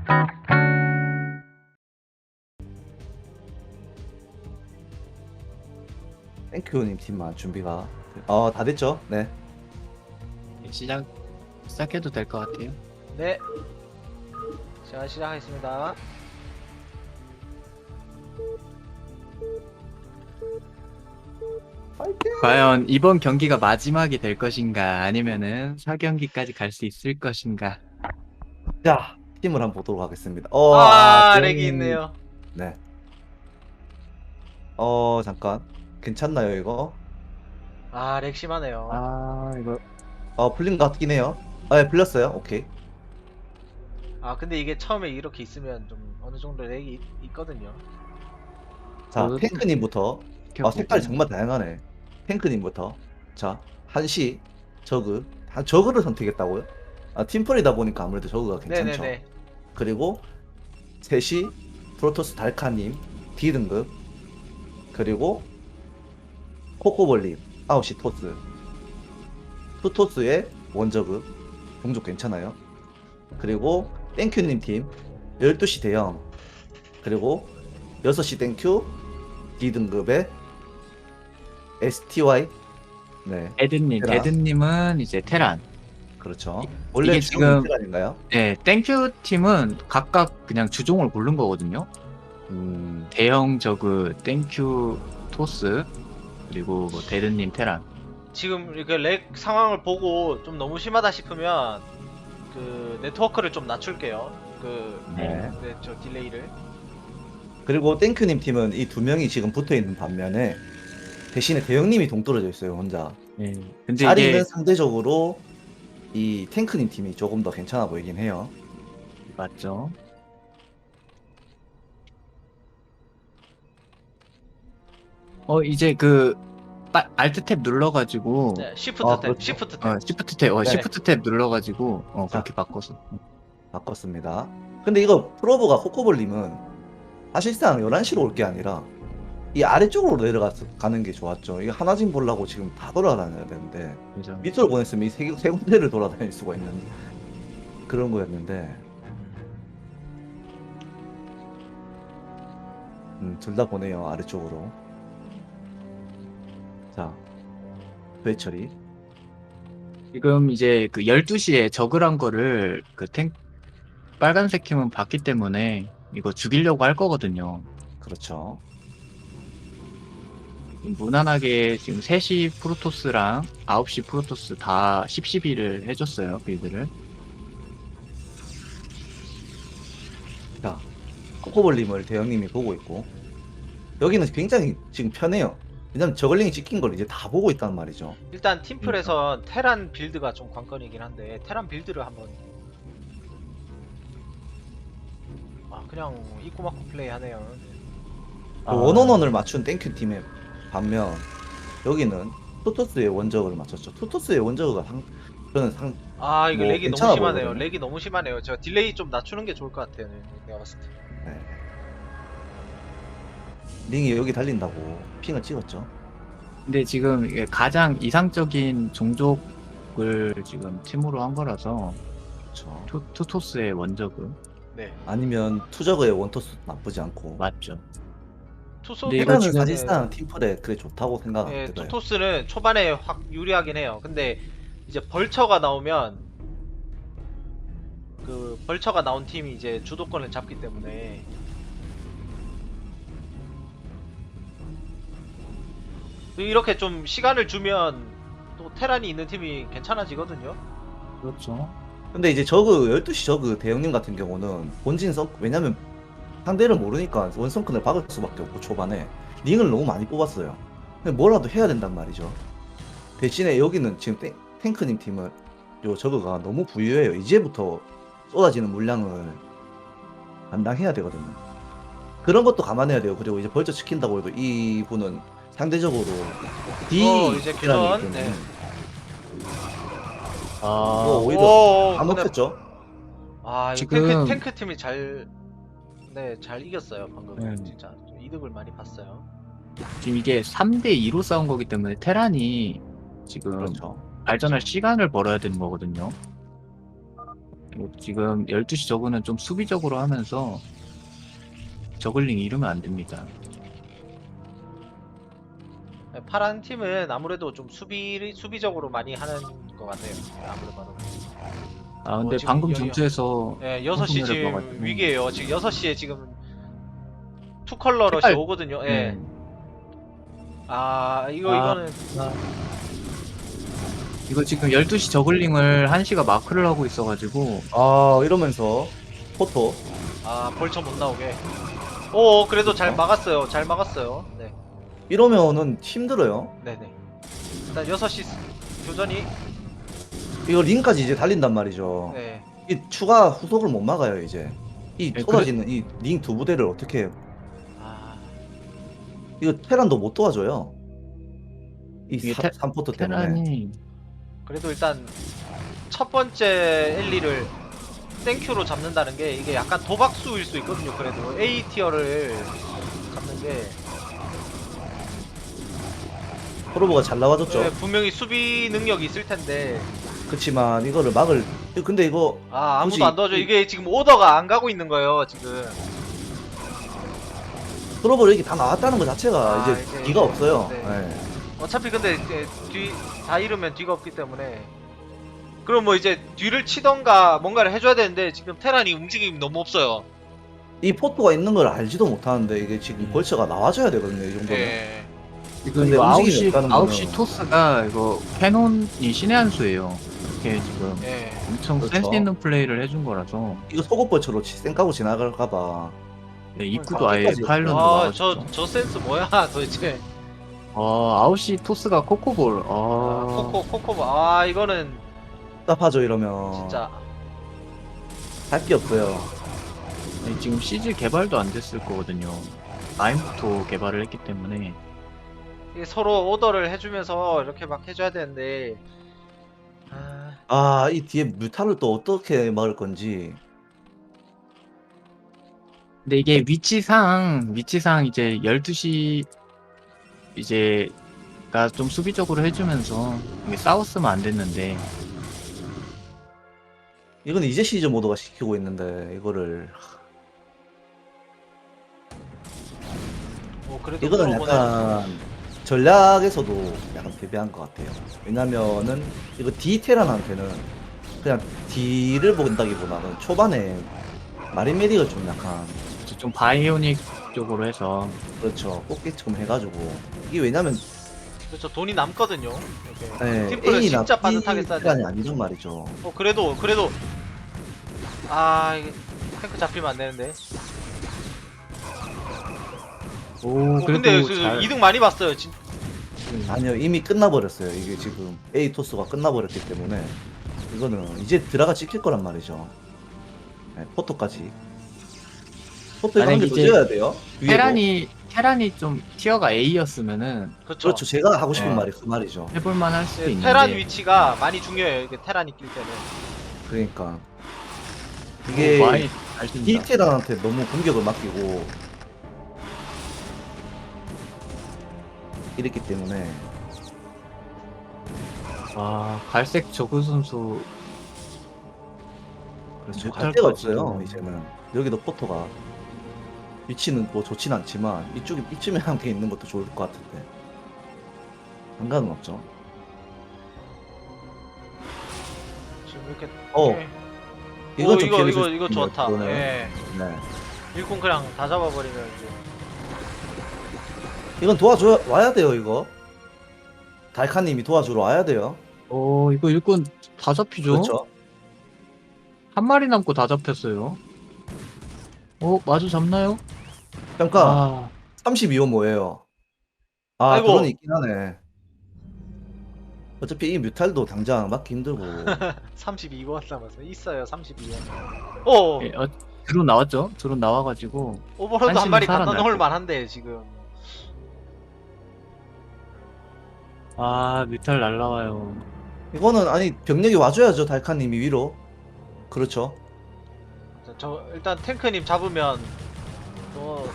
땡큐님 팀만 준비가 다 됐죠? 네. 시작해도 될 것 같아요. 네. 자, 시작하겠습니다. 파이팅! 과연 이번 경기가 마지막이 될 것인가, 아니면은 4경기까지 갈 수 있을 것인가. 자, 팀을 한번 보도록 하겠습니다. 렉이 있네요. 네. 잠깐. 괜찮나요, 이거? 렉 심하네요. 이거 풀린 것 같긴 해요. 네, 풀렸어요. 오케이. 근데 이게 처음에 이렇게 있으면 좀 어느 정도 렉이 있거든요. 자, 탱크님부터. 색깔이 켜보고. 정말 다양하네. 탱크님부터. 자, 한시, 저그. 저그를 선택했다고요? 팀플이다 보니까 아무래도 저그가 괜찮죠. 네네네. 그리고 셋이 프로토스 달카님 D등급. 그리고 코코볼님 9시 토스. 투토스의 원저급. 종족 괜찮아요. 그리고 땡큐님 팀 12시 대형. 그리고 6시 땡큐 D등급의 STY. 네, 테란. 데드님은 이제 테란. 그렇죠. 원래 이게 지금 지금- 테란인가요? 네, 땡큐 팀은 각각 그냥 주종을 고른 거거든요. 대형 저그 땡큐 토스, 그리고 뭐 데드님 테란. 지금 이렇게 렉 상황을 보고 좀 너무 심하다 싶으면 그 네트워크를 좀 낮출게요. 네. 저 딜레이를. 그리고 땡큐님 팀은 이 두 명이 지금 붙어 있는 반면에 대신에 대형님이 동떨어져 있어요, 혼자. 네. 근데 자리는 이게 상대적으로 이 탱크님 팀이 조금 더 괜찮아 보이긴 해요. 맞죠? 이제 알트 탭 눌러가지고 네, 시프트 탭, 그렇죠. 시프트 탭. 시프트 네. 시프트 탭 눌러가지고 자. 그렇게 바꿨어. 바꿨습니다. 근데 이거 프로브가 코코볼님은 사실상 11시로 올 게 아니라 이 아래쪽으로 내려가는 게 좋았죠. 이게 하나진 보려고 지금 다 돌아다녀야 되는데 그죠? 밑으로 보냈으면 이 세 군데를 돌아다닐 수가 있는 그런 거였는데 둘 다 보내요, 아래쪽으로. 자, 배처리. 지금 이제 12시에 저그란 거를 빨간색 팀은 봤기 때문에 이거 죽이려고 할 거거든요. 그렇죠. 무난하게 지금 3시 프로토스랑 9시 프로토스 다 10-12를 해줬어요, 빌드를. 자, 코코볼님을 대형님이 보고 있고 여기는 굉장히 지금 편해요. 왜냐면 저글링이 찍힌 걸 이제 다 보고 있단 말이죠. 일단 팀플에서 테란 빌드가 좀 관건이긴 한데 테란 빌드를 한번 그냥 입고 맞고 플레이하네요. 그 원원원을 맞춘 땡큐 팀의 반면 여기는 투토스의 원저그를 맞췄죠. 투토스의 원저그가 저는 이거 뭐 렉이 괜찮아 너무 심하네요. 보이거든요. 렉이 너무 심하네요. 저 딜레이 좀 낮추는 게 좋을 것 같아요. 내가 봤을 때. 네. 링이 여기 달린다고 핑을 찍었죠. 근데 지금 이게 가장 이상적인 종족을 지금 팀으로 한 거라서 그렇죠. 투토스의 원저그 네. 아니면 투저그의 원토스 나쁘지 않고. 맞죠. 투소 근데 이거 테란은 지금- 사실상 팀플에 그게 좋다고 네, 생각해요. 투토스는 초반에 확 유리하긴 해요. 근데 이제 벌처가 나오면 그 벌처가 나온 팀이 이제 주도권을 잡기 때문에 이렇게 좀 시간을 주면 또 테란이 있는 팀이 괜찮아지거든요. 그렇죠. 근데 이제 저그 12시 저그 대형님 같은 경우는 본진 왜냐면 상대를 모르니까 원성큰을 박을 수밖에 없고 초반에 링을 너무 많이 뽑았어요. 근데 뭐라도 해야 된단 말이죠. 대신에 여기는 지금 탱크님 팀은 요 저그가 너무 부유해요. 이제부터 쏟아지는 물량을 감당해야 되거든요. 그런 것도 감안해야 돼요. 그리고 이제 벌써 시킨다고 해도 이분은 상대적으로 이제 D라는 교전. 때문에 네. 오히려 안 근데- 먹혔죠. 이거 지금- 탱크 팀이 잘 이겼어요 방금. 네. 진짜 좀 이득을 많이 봤어요. 지금 이게 3대2로 싸운 거기 때문에 테란이 지금 그렇죠. 발전할 시간을 벌어야 되는 거거든요. 지금 12시 저그는 좀 수비적으로 하면서 저글링 잃으면 안 됩니다. 파란 팀은 아무래도 좀 수비적으로 많이 하는 것 같아요. 아무래도 봐도. 아 근데 지금 방금 여- 전투에서 예, 6시 혼선을 지금 봐가지고. 위기에요. 지금 6시에 지금 투컬러 러시 색깔- 오거든요. 예. 네. 아, 아. 이거는 이거 지금 12시 저글링을 1시가 마크를 하고 있어가지고 아 이러면서 포토 벌쳐 못 나오게. 오, 그래도 잘 그렇죠. 막았어요. 잘 막았어요. 네. 이러면은 힘들어요. 네네. 일단 6시 교전이 이거 링까지 이제 달린단 말이죠. 네. 이 추가 후속을 못 막아요 이제. 이 네, 쏟아지는 이 링 두 부대를 어떻게 해요? 아, 이거 테란도 못 도와줘요. 이 이게 3포트 때문에. 테란이 그래도 일단 첫 번째 엘리를 땡큐로 잡는다는 게 이게 약간 도박수일 수 있거든요. 그래도 A 티어를 잡는 게 프로브가 잘 나와줬죠. 네, 분명히 수비 능력이 있을 텐데 그치만 이거를 막을 근데 이거 아무도 굳이 안 도와줘. 이게 지금 오더가 안 가고 있는 거예요. 지금 프로브를 이렇게 다 나왔다는 것 자체가 아, 이제 이제 뒤가 없어요. 네. 네. 어차피 근데 이제 뒤 다 잃으면 뒤가 없기 때문에 그럼 뭐 이제 뒤를 치던가 뭔가를 해줘야 되는데 지금 테란이 움직임이 너무 없어요. 이 포토가 있는 걸 알지도 못하는데 이게 지금 벌처가 나와줘야 되거든요 이 정도면. 예. 지금 근데 이거 움직임이 9시, 없다는 9시 거는- 토스가 이거 캐논이 신의 한 수예요. 이렇게 지금 예. 엄청 그렇죠. 센스 있는 플레이를 해준 거라서 이거 속옷벌처로 쌩까고 지나갈까봐. 네, 입구도 아예 끝까지 파일런으로 아, 막아줬죠. 저 센스 뭐야 도대체. 9시 토스가 코코볼. 코코 아 이거는 답답하죠 이러면. 진짜 할 게 없어요. 네, 지금 CG 개발도 안 됐을 거거든요. 라인부터 개발을 했기 때문에. 이게 서로 오더를 해주면서 이렇게 막 해줘야 되는데 아, 아 이 뒤에 뮤타를 또 어떻게 막을 건지. 근데 이게 위치상 이제 12시 이제가 좀 수비적으로 해주면서 이게 싸웠으면 안 됐는데 이건 이제 시즌 모드가 시키고 있는데 이거를 그래도 이거는 프로보는- 약간 전략에서도 약간 패배한 것 같아요. 왜냐면은 이거 D 테란한테는 그냥 D를 본다기보다는 초반에 마린메딕을 좀 약간 좀 바이오닉 쪽으로 해서 그렇죠 꽃게처럼 해가지고 이게 왜냐면 그렇죠. 돈이 남거든요. 이렇게 네, 팀플을 A나 진짜 B 빠듯하게 써야 테란이 돼. 아니란 말이죠. 그래도 이게 탱크 잡히면 안 되는데. 오 근데 그래도 잘 이득 많이 봤어요. 아니요 이미 끝나버렸어요. 이게 지금 A 토스가 끝나버렸기 때문에 이거는 이제 드라가 찍힐 거란 말이죠. 네, 포토까지. 포토 이거 만약에 한개더 이제 지어야 돼요. 위에도. 테란이 좀 티어가 A였으면은 그렇죠. 그렇죠. 제가 하고 싶은 네. 말이 그 말이죠. 해볼만 할 수도 있는데 테란 위치가 많이 중요해요. 이게 테란이 낄 때는. 그러니까 이게 많이 잘 뛴다. 디테란한테 너무 공격을 맡기고 이랬기 때문에 갈색 저그 선수 그렇죠. 못할 갈 데가 것 없어요. 같아요. 이제는 여기도 포토가 위치는 뭐 좋진 않지만 이쯤에 함께 있는 것도 좋을 것 같은데 상관은 없죠. 지금 이렇게. 어, 이렇게- 이건 좀 이거 피해를 줄수 이거 있네요, 좋다. 그거는. 예. 네. 일꾼 그냥 다 잡아버리면 이제. 이건 도와줘 와야 돼요. 이거 달카님이 도와주러 와야 돼요. 이거 일꾼 다 잡히죠? 그렇죠. 한 마리 남고 다 잡혔어요. 마주 잡나요? 잠깐 32호 뭐예요? 아이고. 드론이 있긴 하네. 어차피 이 뮤탈도 당장 막기 힘들고 32원 남았어. 있어요. 32원. 오. 예, 드론 나왔죠? 드론 나와가지고 오버로드 한 한시는 마리 갖다 살아날 놓을 거. 만한데 지금. 뮤탈 날라와요. 이거는 아니 병력이 와줘야죠. 달카님이 위로. 그렇죠. 저 일단 탱크님 잡으면 또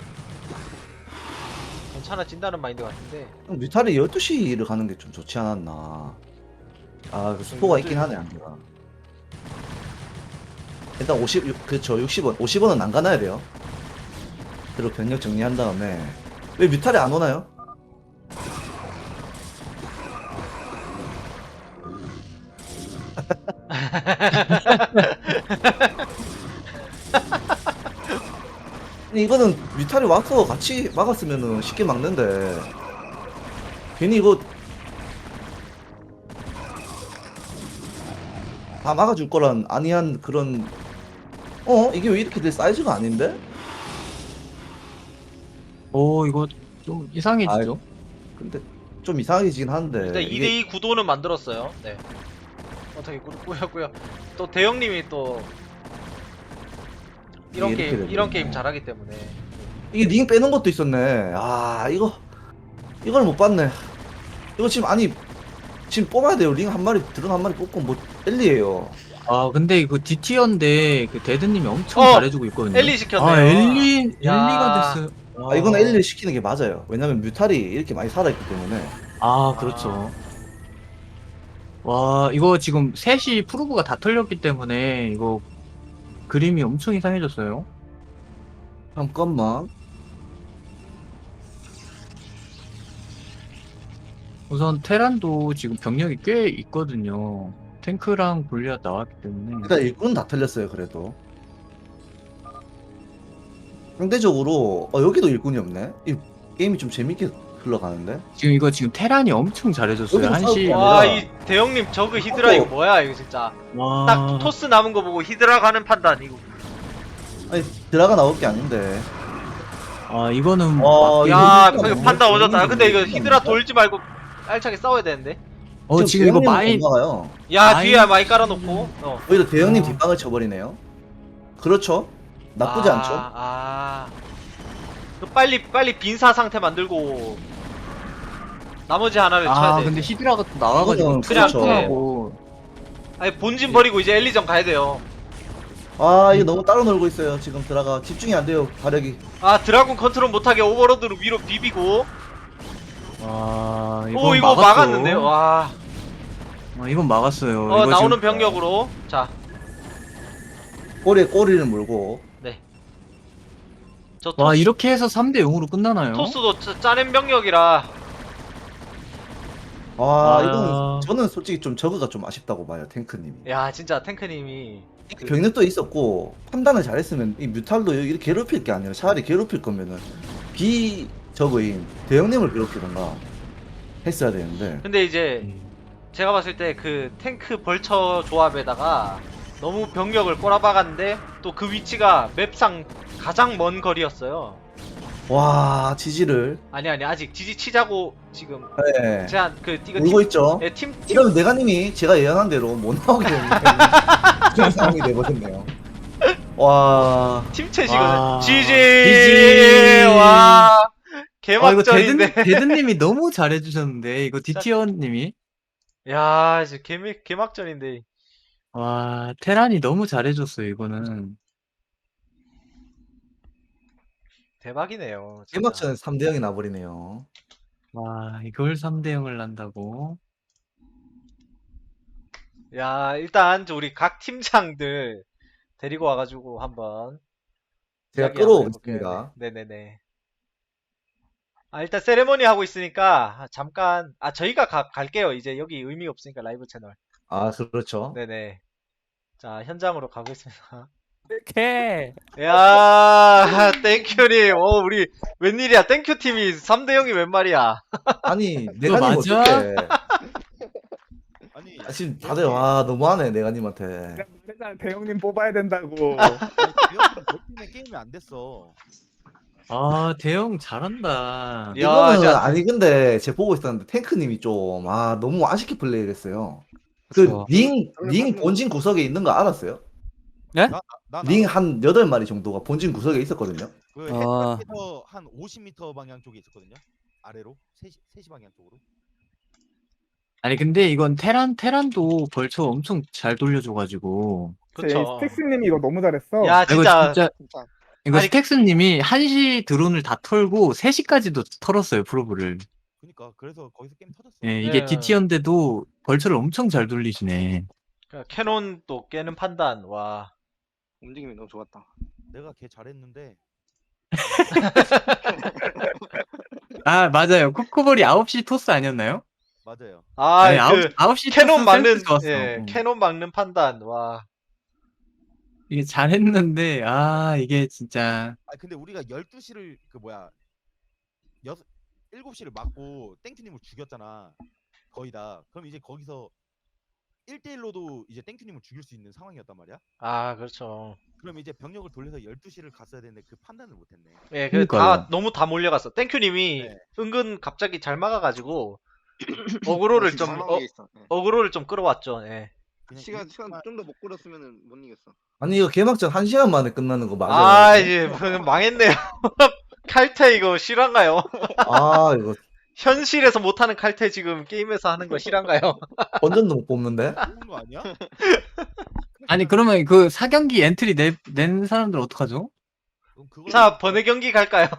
괜찮아진다는 마인드 같은데. 뮤탈이 12시를 가는 게 좀 좋지 않았나. 그 스포가 있긴 하네 안개가. 일단 그렇죠. 60원. 50원은 안 가놔야 돼요. 그리고 병력 정리한 다음에. 왜 뮤탈이 안 오나요? 아니, 이거는 뮤탈이 와서 같이 막았으면은 쉽게 막는데. 괜히 이거 다 막아줄 거란 아니한 그런. 이게 왜 이렇게 될 사이즈가 아닌데? 이거 좀 이상해지죠? 근데 좀 이상해지긴 한데. 일단 이게 2대2 구도는 만들었어요. 네. 어떻게 꾸였고요. 또 대형님이 또 이런 이게 이렇게 이런 되네. 게임 잘하기 때문에. 이게 링 빼는 것도 있었네. 이걸 못 봤네. 이거 지금 뽑아야 돼요. 링 한 마리, 드론 한 마리 뽑고 뭐 엘리예요. 아 근데 이거 DT인데 그 데드님이 엄청 어! 잘해주고 있거든요. 엘리 시켰네요. 아 엘리가 야. 됐어요. 이거는 엘리를 시키는 게 맞아요. 왜냐면 뮤탈이 이렇게 많이 살아있기 때문에. 그렇죠. 와 이거 지금 셋이 프로브가 다 털렸기 때문에 이거 그림이 엄청 이상해졌어요. 잠깐만. 우선 테란도 지금 병력이 꽤 있거든요. 탱크랑 골리앗 나왔기 때문에. 일단 일꾼 다 털렸어요. 그래도 상대적으로 여기도 일꾼이 없네. 이 게임이 좀 재밌게 흘러가는데. 지금 테란이 엄청 잘해줬어요. 여기도 한시. 싸우고 와, 아니라- 이 대형님 저그 히드라 이거 뭐야, 이거 진짜. 딱 토스 남은 거 보고 히드라 가는 판단, 이거. 아니 드라가 나올 게 아닌데. 이거는 와, 맞긴- 야, 이거 그 판단 너무 오졌다. 근데 이거 재밌다. 히드라 돌지 말고 알차게 싸워야 되는데. 지금 이거 마인 가요. 야, 마인- 뒤에 많이 깔아놓고. 오히려 대형님 어. 뒷방을 쳐버리네요. 그렇죠. 나쁘지 않죠. 그 빨리 빈사 상태 만들고 나머지 하나를 쳐야 돼. 근데 히드라가 또 나와가지고 이거는 그냥 투하고 아니 본진 버리고 이제 엘리전 가야 돼요. 이거 너무 따로 놀고 있어요. 지금 드라가 집중이 안 돼요. 발력이. 드라군 컨트롤 못하게 오버로드로 위로 비비고. 이거 이거 막았는데요. 와. 이건 막았어요. 이거 나오는 지금- 병력으로. 자, 꼬리에 꼬리를 물고. 네. 저 와 토스, 이렇게 해서 3대 0으로 끝나나요? 토스도 짜낸 병력이라. 이건 저는 솔직히 좀 저그가 좀 아쉽다고 봐요. 탱크님이. 야, 진짜 탱크님이. 병력도 있었고 판단을 잘했으면 이 뮤탈도 이렇게 괴롭힐 게 아니라 차라리 괴롭힐 거면은 저그인 대형님을 괴롭히던가 했어야 되는데. 근데 이제 제가 봤을 때 그 탱크 벌처 조합에다가 너무 병력을 꼬라박았는데 또 그 위치가 맵상 가장 먼 거리였어요. 와, 지지를. 아니 아직 지지 치자고 지금 네. 제가 이거 울고 있죠. 팀 이러면 내가님이 제가 예언한 대로 못 나오게 되는 그런 상황이 돼버렸네요. 와. 팀챗이거든. 와. 지지. 와. 이거 개막전인데. 데드님이 너무 잘해주셨는데 이거 DT원님이 야, 이제 개막전인데. 와 테란이 너무 잘해줬어요 이거는. 대박이네요. 진짜. 개막전에 3대 0이 나버리네요. 와 이걸 3대 0을 난다고. 야, 일단 우리 각 팀장들 데리고 와가지고 한번 제가 이야기 한번 끌어오겠습니다. 해볼게요. 네네네. 일단 세레머니 하고 있으니까 잠깐 저희가 갈게요. 이제 여기 의미 없으니까 라이브 채널. 그렇죠. 네네. 자, 현장으로 가보겠습니다. 이렇게 야, 땡큐님. 우리 웬일이야? 땡큐 팀이 3대 0이 웬 말이야? 아니, 내가님 맞아? 어떡해. 아니 지금 다들 너무하네, 내가님한테. 내가 말했잖아 대형님 뽑아야 된다고. 팀에 게임이 안 됐어. 대형 잘한다. 야, 이거는 진짜. 아니 근데 제가 보고 있었는데 탱크님이 좀 너무 아쉽게 플레이를 했어요. 그쵸. 링 본진 구석에 있는 거 알았어요? 나 링 한 8마리 정도가 본진 구석에 있었거든요. 그 아. 해변에서 한 50m 방향 쪽에 있었거든요. 아래로 3시 방향 쪽으로. 아니 근데 이건 테란도 벌처 엄청 잘 돌려줘가지고 그쵸. 스택스님이 이거 너무 잘했어. 야, 이거 진짜. 이거 아니- 스택스님이 1시 드론을 다 털고 3시까지도 털었어요 프로브를. 그러니까 그래서 거기서 게임 터졌어. 예, 이게 네. DT인데도 벌처를 엄청 잘 돌리시네. 캐논 또 깨는 판단. 와. 움직임이 너무 좋았다. 내가 걔 잘했는데 아, 맞아요. 코코볼이 9시 토스 아니었나요? 맞아요. 아, 네, 그 9시 캐논 토스 막는 센스 좋았어. 예, 캐논 막는 판단. 와. 이게 잘했는데, 이게 진짜. 아 근데 우리가 12시를 그 뭐야 7시를 막고 땡큐님을 죽였잖아. 거의 다. 그럼 이제 거기서 1대1로도 이제 땡큐님을 죽일 수 있는 상황이었단 말이야. 아, 그렇죠. 그럼 이제 병력을 돌려서 12시를 갔어야 되는데 그 판단을 못했네. 예, 그 다 그러니까요. 너무 다 몰려갔어. 땡큐님이 네. 은근 갑자기 잘 막아가지고 어그로를 진짜 좀 잘 나온 게 있어. 예. 어그로를 좀 끌어왔죠. 예. 그냥 시간 일주일만- 좀 더 못 끌었으면은 못 이겼어. 아니 이거 개막전 1시간 만에 끝나는 거 맞아요? 아, 이제 망했네요. 칼퇴 이거 실화인가요? 아 이거 현실에서 못하는 칼퇴 지금 게임에서 하는 거 실화인가요? 본전도 못 뽑는데? 좋은 거 아니야? 아니, 그러면 그 4경기 엔트리 낸 사람들 어떡하죠? 그럼 그거 자, 번외 경기 갈까요?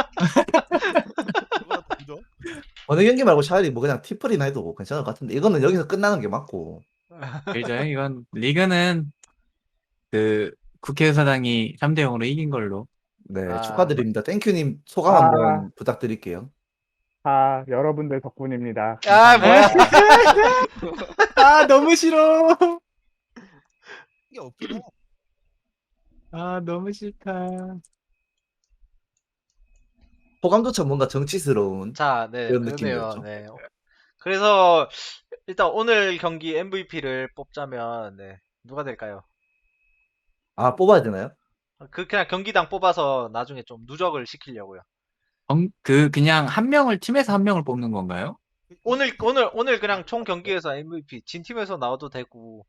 그거랑 보죠. 어느 경기 말고 차라리 뭐 그냥 티플이나 해도 괜찮을 것 같은데 이거는 여기서 끝나는 게 맞고. 그죠? 이건, 리그는 그 국회의사당이 3대0으로 이긴 걸로. 네 아. 축하드립니다. 땡큐님 소감 아. 한번 부탁드릴게요. 아, 여러분들 덕분입니다. 아, 뭐야? 너무 싫어. 이게 없긴 해. 너무 싫다. 소감조차 뭔가 정치스러운. 자, 네, 그런 그러네요. 느낌이었죠. 네. 그래서 일단 오늘 경기 MVP를 뽑자면 네, 누가 될까요? 아 뽑아야 되나요? 그냥 경기당 뽑아서 나중에 좀 누적을 시키려고요. 그냥 한 명을, 팀에서 한 명을 뽑는 건가요? 오늘 그냥 총 경기에서 MVP 진 팀에서 나와도 되고.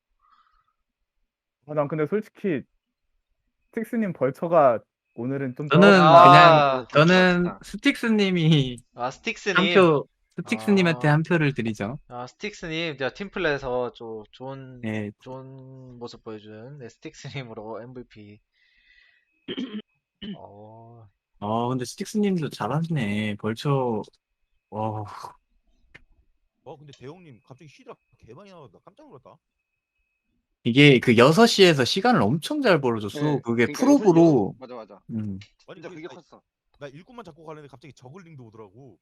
난 근데 솔직히 틱스님 벌처가 오늘은 좀 저는 아, 저는 스틱스님이 아, 한 스틱스님. 표, 스틱스님한테 아. 한 표를 드리죠. 아, 스틱스님, 제가 팀플에서 좋은 네. 모습 보여준 네, 스틱스님으로 MVP. 어, 근데 스틱스님도 잘하시네. 벌초, 근데 대형님 갑자기 히드라 개 많이 나왔다. 깜짝 놀랐다. 이게 그 6시에서 시간을 엄청 잘 벌어줬어. 네, 그게 그러니까 프로브로, 맞아. 음. 아니 진짜 그게 컸어. 나 일꾼만 잡고 가려는데 갑자기 저글링도 오더라고.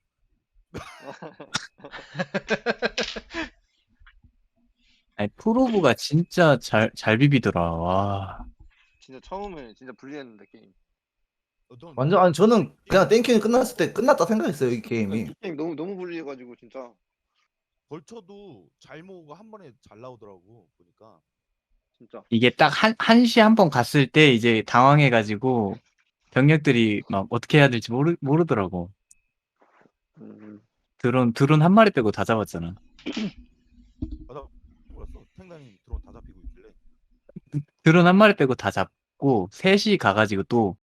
아니, 프로브가 진짜 잘 비비더라. 와. 진짜 처음에 진짜 불리했는데 게임. 완전 아니 저는 그냥 땡큐님 끝났을 때 끝났다 생각했어요 이 게임이. 게임 너무 불리해가지고 진짜. 벌쳐도 잘 모으고 한 번에 잘 나오더라고 보니까. 진짜. 이게 딱 1시 한 번 갔을 때 이제 당황해가지고 병력들이 막 어떻게 해야 될지 모르더라고. 음, 드론 한 마리 빼고 다 잡았잖아. 나 몰랐어. 탱단님 드론 다 잡히고 있길래. 드론 한 마리 빼고 다 잡고 3시 가가지고 또